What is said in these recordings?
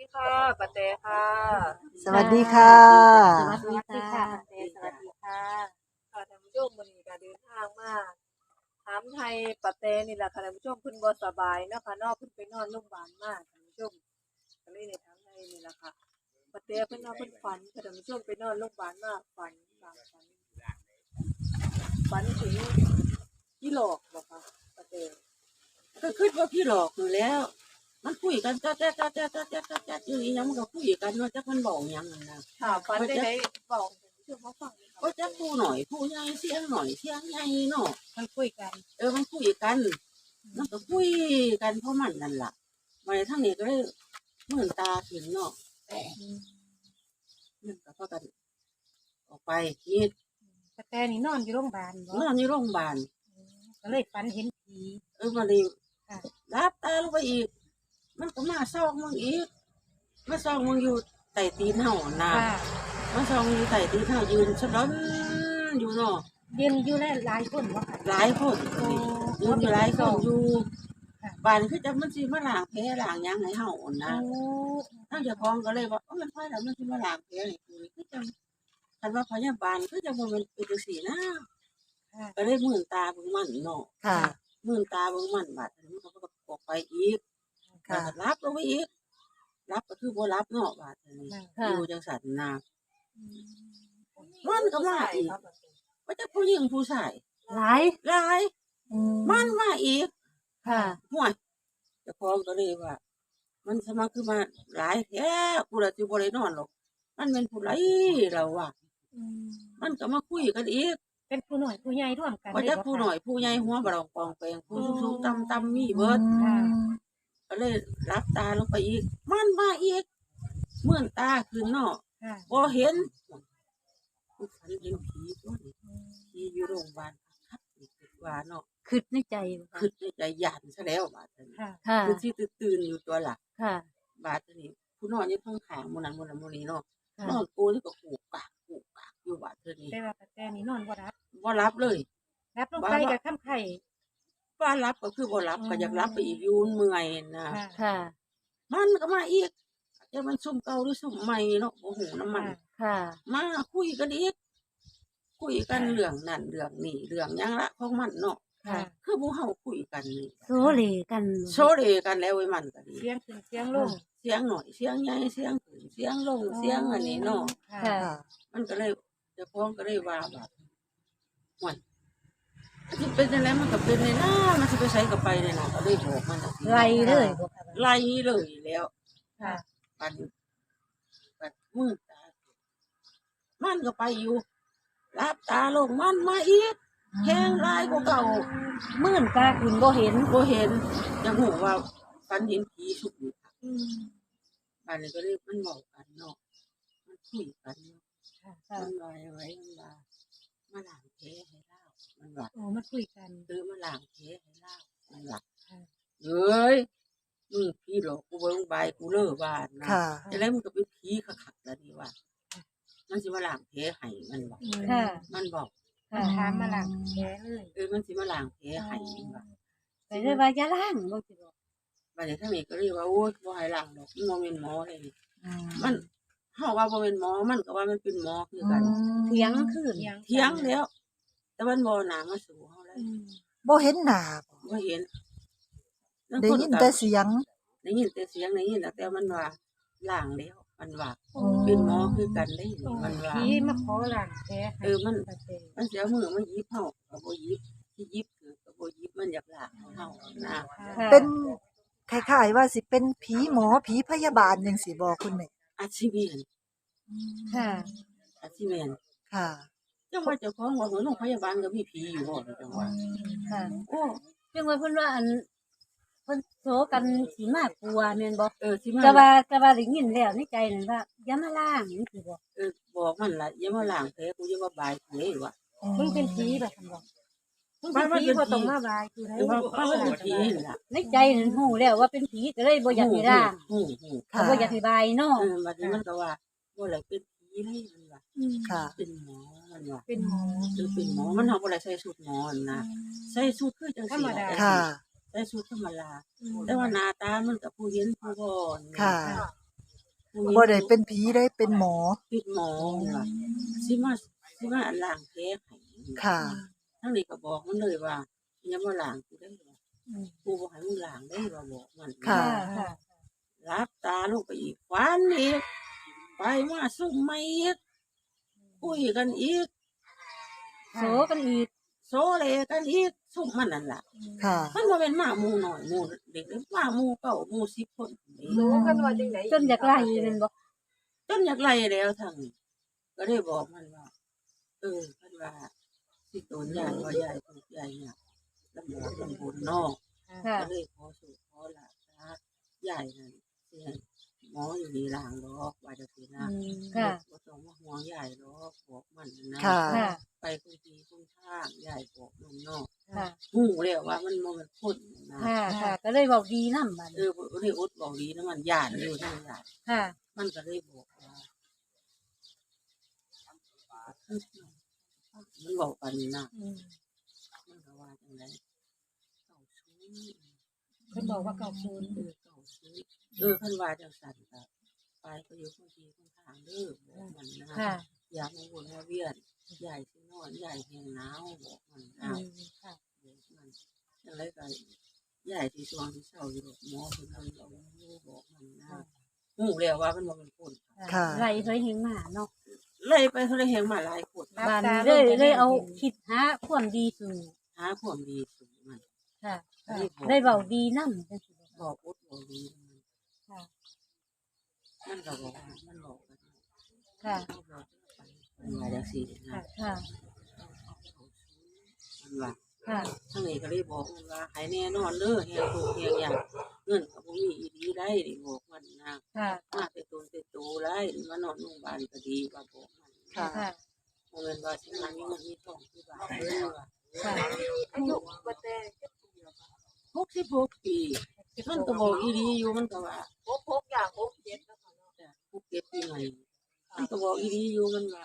ค่ะปะเตค่ะสวัสดีค่ะสวัสดีค่ะปะเตสวัสดีค่ะค่ะท่านผู้ชมวันนี้ก็เดินทางมาถามไทยปะเตนี่แหละค่ะท่านผู้ชมเพิ่นบ่สบายเนาะค่ะเนาะเพิ่นไปนอนโรงพยาบาลมาท่านผู้ชมก็เลยได้ถามไทยนี่แหละค่ะปะเตเพิ่นว่าเพิ่นฝันค่ะท่านผู้ชมไปนอนโรงพยาบาลมาฝันถึงพี่หลอกบ่คะปะเตก็คิดว่าพี่หลอกอยู่แล้ว มันคุยกันจ๊ะอยู่อีหยังมันก็คุยกันว่าจักมันบอกหยังนั่นน่ะค่ะฝันได้บอกท่านผู้ชมเขาฟังเลยค่ะก็จักผู้หน่อยผู้ใหญ่เสียงหน่อยเสียงใหญ่เนาะมันคุยกันมันคุยกันมันก็คุยกันเพราะมันนั่นล่ะมาทั้งนี้ก็เลยมื่นตาขึ้นเนาะมันก็พากันออกไปคิดแต่นี่นอนอยู่โรงพยาบาลบ่นอนอยู่โรงพยาบาลก็เลยฝันเห็นผีมาเลยค่ะรับตาลงไปอีก มันก็มาซอกมึงอีกมาซอกมึงอยู่ใต้ตีนเห่านะค่ะมาซอกมึงอยู่ใต้ตีนเห่ายืนสะดอนอยู่เนาะยืนอยู่หลายคนบ่ค่ะหลายคนยืนอยู่หลายคนอยู่ค่ะบ้านคือจะมันสิมาล้างแผลล้างหยังให้เห่านะโอ้ทั้งเจ้าของก็เลยว่ามันค่อยแล้วมันสิมาล้างแผลให้กูนี่คือจังคันว่าพยาบาลคือจังบ่แม่นเป็นจังซี่นะค่ะก็เลยมื่นตาเบิ่งมันเนาะค่ะมื่นตาเบิ่งมันบาดนี้มันก็ออกไปอีกค่ะก็รับลงไปอีกรับก็คือบ่รับเนาะบาดนี้ค่ะอยู่จังซั่นนะมันก็มาอีกว่าจะผู้หญิงผู้ชายหลายหลายมันมาอีกค่ะห่วยเจ้าของก็เลยว่า มันสมาคือมาหลายแท้กูละสิบ่ได้นอนหรอกมันเป็นผู้ไรเราว่ามันก็มาคุยกันอีกเป็นผู้หน่อยผู้ใหญ่ร่วมกันว่าจะเลยบ่ผู้หน่อยผู้ใหญ่หัวบ่รองปองแปงผู้สูงๆต่ำๆมีเบิดค่ะก็เลยรับตาลงไปอีก มันมาอีกเมื่อนตาขึ้นเนาะค่ะบ่เห็นกูฝันเห็นผีตัวนี้ผีอยู่โรงพยาบาลครับนี่คิดว่าเนาะคิดในใจบ่คะคือในใจหยาดซะแล้วบาดนี้ค่ะค่ะคือที่ตื่นๆอยู่ตัวล่ะค่ะบาดนี้ผู้นอนอยู่ข้างขางหมู่นั้นหมู่นั้นหมู่นี้เนาะค่ะนอนกูนี่ก็กูกากอยู่บาดนี้แต่ว่าแต่นี่นอนบ่รับบ่รับเลยรับลงไปกับค่ำไข่ว่ารับก็คือบ่รับก็อยากรับไปอีกอยู่เมื่อยนะค่ะค่ะมันก็มาอีกจะมันซุ่มเก่าหรือซุ่มใหม่เนาะบ่ฮู้น้ำมันค่ะมาคุยกันอีกคุยกันเรื่องนั่นเรื่องนี้เรื่องหยังละของมันเนาะค่ะคือหมู่เฮาคุยกันนี่โซเลกันโซเลกันแล้วไว้มันก็ดีเสียงขึ้นเสียงลงเสียงหน่อยเสียงใหญ่เสียงขึ้นเสียงลงเสียงอันนี้เนาะค่ะค่ะมันก็เลยเจ้าของก็เลยว่าแบบห่วยมันสิเป็นจังไดมันก็เป็นเลยนะมันสิไปไสก็ไปเลยนะก็เลยบอกมันจังซี่ไล่เลยบ่คะไล่เลยแล้วค่ะปัดมือตามันก็ไปอยู่รับตาลงมันมาอีกแห้งลายกว่าเก่ามื่นตาขึ้นบ่เห็นบ่เห็นยังหูว่าฝันเห็นผีสุกอยู่ค่ะอืมบ้านนี้ก็เลยมันบอกกันเนาะมันคุยกันเนาะค่ะมันลอยไว้มันว่ามาล้างแผลให้เล่ามันว่าโอ้มาคุยกันมาล้างแผลให้เล่ามันว่าค่ะเอ้ยพี่หลอกกูเบิ่งใบกูเลิกบ้านนะค่ะจะได้มันก็เป็นผีขักๆแล้วนี่ว่า มันสิมาล้างแผลให้มันบอกอืมค่ะมันบอกค่ะถามมาหลังแผลเลยมันสิมาล้างแผลให้มันว่าไปเลยว่าอย่าล้างบ่สิบ่บัดนี้ทางนี้ก็เลยว่าโอ้ยบ่ให้ล้างดอกมันบ่เป็นหมอเลยนี่ มันเฮาว่าบ่เป็นหมอมันก็ว่ามันเป็นหมอคือกันเถียงขึ้นเถียงแล้ว แต่มันบ่หนามาสู่เฮาเลยอืมบ่เห็นหน้าบ่บ่เห็นได้ยินแต่เสียงได้ยินแต่เสียงได้ยินแต่มันว่าล้างแล้วมันว่าโอ้เป็นหมอคือกันได้มันว่าผีมาขอหลังแผลให้มันปะเตมันเสียมือมันหยิบเฮาก็บ่หยิบที่หยิบคือก็บ่หยิบมันอยากล้างให้เฮานะค่ะเป็นคล้ายๆว่าสิเป็นผีหมอผีพยาบาลจังซี่บ่คุณแม่อาชีพเวียนค่ะอาชีพเวียนค่ะจังว่าเจ้าของว่าโรงพยาบาลก็มีผีอยู่บ่จังว่าค่ะโอ้จังว่าเพิ่นว่าอันเพิ่นโซกันสิมากลัวแม่นบ่สิมาแต่ว่าได้ยินแล้วในใจนั่นว่าอย่ามาล้างนี่สิบ่บอกมันล่ะอย่ามาล้างแผลกูอย่ามาบายแผลว่ะมึงเป็นผีแบบนั้นบ่มึงมัเป็นนผีเป็นบ่ผีต้องมาบายคือให้มันเป็นผีนี่ล่ะในใจนั่นฮู้แล้วว่าเป็นผีก็เลยบ่อยากให้ล้างฮู้ก็บ่อยากให้บายเนาะบัดนี้มันก็ว่าบ่ได้เป็นผีเลยมันว่าค่ะเป็นหมอมันว่าเป็นหมอเป็นหมอมันเฮาบ่ได้ใส่สูทหมอนะใส่สูทคือจังซี่ค่ะใส่สูทธรรมดาแต่ว่าหน้าตามันก็ผู้เห็นผู้บ่ค่ะบ่ได้เป็นผีได้เป็นหมอเป็นหมอนี่ล่ะสิมาล้างแผลให้ค่ะทั้งนี้ก็บอกมันเลยว่าอย่ามาล้างกูได้ว่ากูบ่ให้มึงล้างได้ว่าบอกมันค่ะค่ะรับตาลงไปอีกฝันอีกไปมาซุ่มไม่อีกคุยกันอีกโสกันอีกโซเลกันอีกซุ่มมันนั่นล่ะค่ะมันบ่เป็นหมาหมู่น้อยหมู่เด็กหมาหมู่เก่าหมู่10คนนี่รู้กันว่าจังได๋จนอยากไล่เลยบ่จนอยากไล่แล้วทางนี้ก็ได้บอกมันว่าเพิ่นว่าสิโดนยายว่ายายถูกยายเนี่ยลำบากลำบนเนาะค่ะก็เลยขอสู่ขอลาซะยายนั่นสิให้หมออยู่นี่ล้างดอกว่าจังซี่นะค่ะบ่ต้องมาห่วงยายหรอกบอกมันนะค่ะค่ะไปคุยทีคุยทางยายบอกมันเนาะค่ะฮู้แล้วว่ามันบ่แม่นคนนะค่ะ ค่ะ ก็เลยบอกดีนำบัดบ่ได้อดบอกดีนะมันย่านอยู่ทางย่านค่ะมันก็เลยบอกว่ามันบอกกันนะมันก็ว่าจังไดเก่าชู้เพิ่นบอกว่าเก่าศูนย์เก่าชู้เพิ่นว่าจังซั่นก็ไปก็อยู่คนทีคนทางเด้อบอกมันนะค่ะอย่ามาวนมาเวียนใหญ่สินอนใหญ่แหงหนาวบอกมันนะค่ะบอกมันจังไรก็ใหญ่ที่ช่วงที่เช้าอยู่ดอกหมอเพิ่นเอาบอกมันนะฮู้แล้วว่ามันบ่เป็นคนค่ะไล่เคยเห็นมาเนาะเลยไปเขาเลยแหงมาหลายคนบ้านนี้เลยเอาคิดหาความดีสู่หาความดีสู่มันค่ะได้ได้เว้าดีนำจังซี่บ่บอกอุดบอกดีมันค่ะมันก็บอกมันบอกกันค่ะมันบอกไปมันว่าจังซี่นะค่ะมันว่าค่ะทั้งนี้ก็เลยบอกมันว่าให้แน่นอนเด้อแฮงถูกแฮงหยังเงินก็บ่มีอีดีได้ดิบอกมันนะค่ะมาแต่ตนแต่โตได้มานอนโรงพยาบาลก็ดีว่าบอกมันค่ะค่ะบ่แม่นว่าสิมามีเงินมีทองคือว่าเด้อว่าค่ะอายุบ่แต่จักปีแล้วค่ะ 66ปีมันก็บอกอีดีอยู่มันก็ว่า 66อย่าง67แล้วค่ะเนาะ 67ปีใหม่มันก็บอกอีดีอยู่มันว่า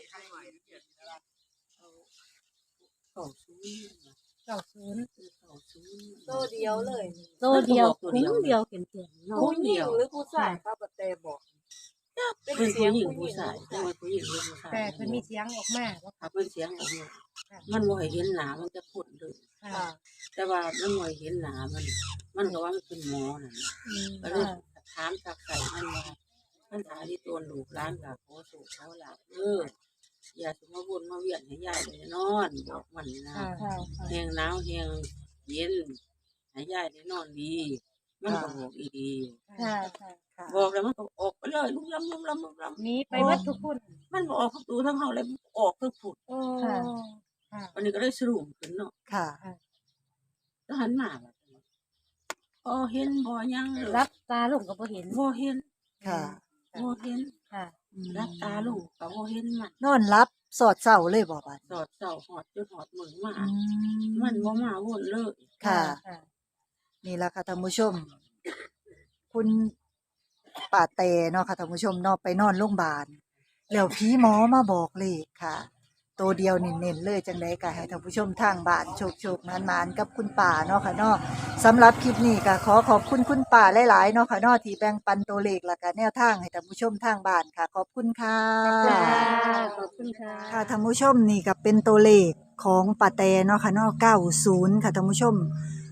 เอาเก่าซื้อเก่าศูนย์เก่าซื้อโตเดียวเลยโตเดียวคุ้มเดียวเข็มๆเนาะผู้หญิงหรือผู้ชายครับบ่แต่บอกเป็นผู้หญิงผู้ชายเป็นผู้หญิงหรือผู้ชายแต่เพิ่นมีเสียงออกมาว่าถ้าเป็นเสียงออกมามันบ่ให้เห็นหน้ามันจะพูดเลยค่ะแต่ว่ามันบ่ให้เห็นหน้ามันก็ว่ามันเป็นหมอนั่นน่ะก็เลยถามสักใส่มันว่ามันหาที่ตัวลูกหลานก็ขอสู่เขาล่ะอย่าสิมาวนมาเวียนให้ยายได้นอนบอกมันนะค่ะค่ะแหงหนาวแหงเย็นให้ยายได้นอนดี มันก็บอกอีดีค่ะค่ะบอกแล้วมันก็ออกไปเลยลุกลำลุกลำลุกลำหนี้ไปวัดทุกคนมันบอกออกประตูทั้งเฮาเลยออกทั้งผุดโอ้ค่ะค่ะวันนี้ก็เลยสรุปขึ้นเนาะค่ะแล้วหันมาแบบบ่เห็นบ่ยังเลยรับตาลงก็บ่เห็นบ่เห็นค่ะบ่เห็นค่ะรับตาลูกก็บ่เห็นมันนอนรับสอดเศร้าเลยบ่บัดสอดเจ้าหอดจนหอดมือมาอืมันบ่มาวนเลยค่ะค่ะนี่ล่ะค่ะท่านผู้ชม คุณป้าแตเนาะค่ะท่านผู้ชมเนาะไปนอนโรงพยาบาลแล้วผีหมอมาบอกเลขค่ะ ตัวเดียวเน้นๆเลยจังได๋ก็ให้ท่านผู้ชมทางบ้านโชคๆนานๆกับคุณป้าเนาะค่ะเนาะสำหรับคลิปนี้ก็ขอขอบคุณคุณป้าหลายๆเนาะค่ะเนาะที่แบ่งปันตัวเลขและก็แนวทางให้ท่านผู้ชมทางบ้านค่ะ ขอบคุณค่ะค่ะขอบคุณค่ะค่ะท่านผู้ชมนี่ก็เป็นตัวเลขของป้าแตเนาะค่ะเนาะ90ค่ะท่านผู้ชม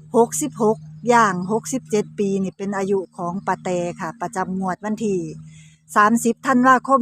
66ย่าง67 ปีนี่เป็นอายุของป้าแตค่ะ ประจำงวดวันที่30ธันวาคม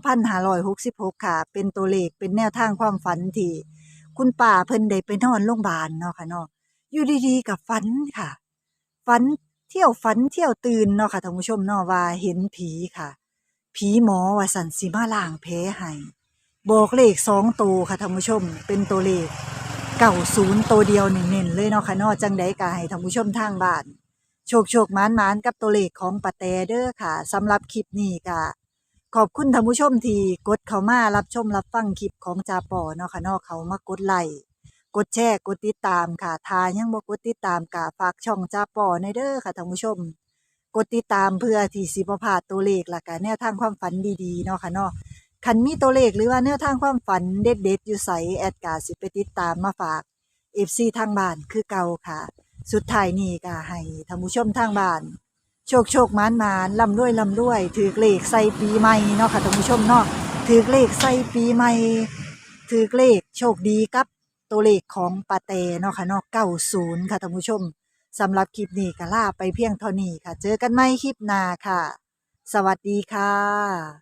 2566ค่ะ เป็นตัวเลขเป็นแนวทางความฝันที่คุณป้าเพิ่นได้ไปนอนโรงพยาบาลเนาะค่ะเนาะอยู่ดีๆก็ฝันค่ะ ฝันเที่ยวตื่นเนาะค่ะท่านผู้ชมเนาะว่าเห็นผีค่ะ ผีหมอว่าสันสิมาล้างแผลให้บอกเลข2ตัวค่ะท่านผู้ชม เป็นตัวเลข90ตัวเดียวเน้นๆเลยเนาะค่ะเนาะจังได๋ก็ให้ท่านผู้ชมทางบ้านโชคๆหมานๆกับตัวเลขของป้าแตเด้อค่ะสำหรับคลิปนี้ก็ขอบคุณท่านผู้ชมที่กดเข้ามารับชมรับฟังคลิปของจาปอเนาะค่ะเนาะเขามากดไลค์กดแชร์กดติดตามค่ะถ้ายังบ่กดติดตามก็ฝากช่องจาปอในเด้อค่ะท่านผู้ชม กดติดตามเพื่อที่สิบ่พลาดตัวเลขและก็แนวทางความฝันดีๆเนาะค่ะเนาะคันมีตัวเลขหรือว่าแนวทางความฝันเด็ดๆอยู่ไสแอดก็สิไปติดตามมาฝาก FC ทางบ้านคือเก่าค่ะ สุดท้ายนี้ก็ให้ท่านผู้ชมทางบ้านโชคโชคหมานหมานลำด้วยลำด้วยถือเลขใส่ปีใหม่เนาะค่ะท่านผู้ชมเนาะถือเลขใส่ปีใหม่ถือเลขโชคดีกับตัวเลขของปาเตเนาะค่ะเนาะ90ค่ะท่านผู้ชมสำหรับคลิปนี้ก็ลาไปเพียงเท่านี้ค่ะ เจอกันใหม่คลิปหน้าค่ะ สวัสดีค่ะ